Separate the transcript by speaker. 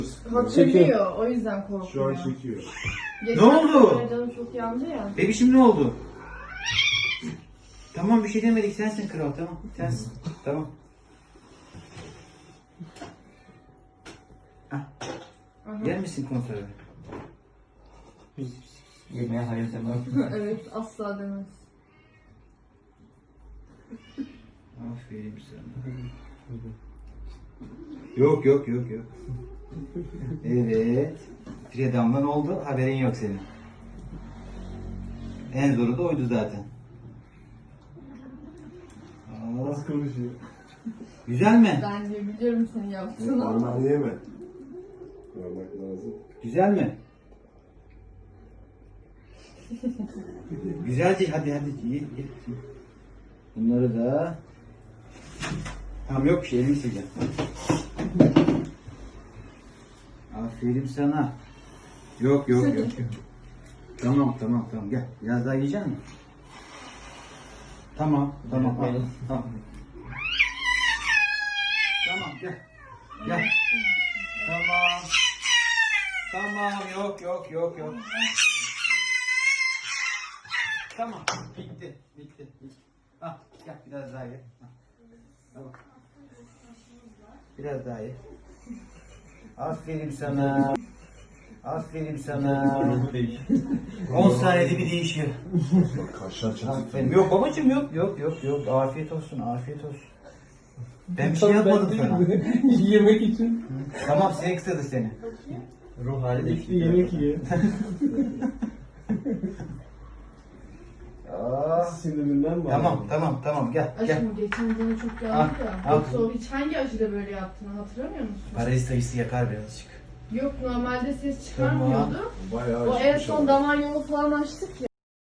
Speaker 1: Hatırlıyor, o yüzden
Speaker 2: Şu an
Speaker 1: korkuyor.
Speaker 2: çekiyor.
Speaker 1: Geçen
Speaker 3: Ne oldu?
Speaker 1: sefer canım çok yandı ya.
Speaker 3: Bebişim ne oldu? Tamam bir şey demedik, sensin kral, tamam. Sensin. Tamam. Ah.
Speaker 1: Aha.
Speaker 3: Yer misin konserve?
Speaker 4: Yemeğe hayır demem.
Speaker 1: Evet, asla demez.
Speaker 3: Aferin sana. Yok yok yok yok. Evet. Bir damla ne oldu? Haberin yok senin. En zoru da oydu zaten. Aa,
Speaker 2: Nasıl konuşuyor?
Speaker 3: güzel mi?
Speaker 1: Ben de biliyorum senin yaptığını ama.
Speaker 2: Normal yeme. Normal lazım.
Speaker 3: Güzel mi? Güzel değil. Hadi hadi. Ye. Bunları da... Tamam yok bir şey. Elini sileceğim. Aferin sana. Yok yok yok. Tamam tamam tamam. Gel. Biraz daha yiyecek misin? Tamam tamam. Al, tamam. Tamam gel. Gel. Tamam. Tamam yok yok yok yok. Tamam bitti bitti. Al gel biraz daha ye. Al. Biraz daha ye. Aferin sana. Aferin sana. 10 saniyede bir değişiyor.
Speaker 2: Bak kaşlar çatık.
Speaker 3: Aferin. Yok babacığım yok yok yok yok. Afiyet olsun afiyet olsun. Ben bir şey yapmadım sana.
Speaker 4: Yemek için.
Speaker 3: Tamam sinek ısırdı seni.
Speaker 4: Ruh hali de
Speaker 2: Bir yemek ye.
Speaker 3: Aa,
Speaker 2: Sinirinden mi?
Speaker 3: tamam tamam tamam gel gel.
Speaker 1: Aşkım geçen canı çok yandı
Speaker 3: Al,
Speaker 1: ya.
Speaker 3: al.
Speaker 1: Yoksa o hiç hangi acıda böyle yaptığını hatırlamıyor musun?
Speaker 3: Parazit sayısı yakar birazcık.
Speaker 1: Yok, normalde ses çıkarmıyordu.
Speaker 2: Bayağı
Speaker 1: O en
Speaker 2: acıkmış
Speaker 1: son
Speaker 2: ama.
Speaker 1: damar yolu falan açtık ya.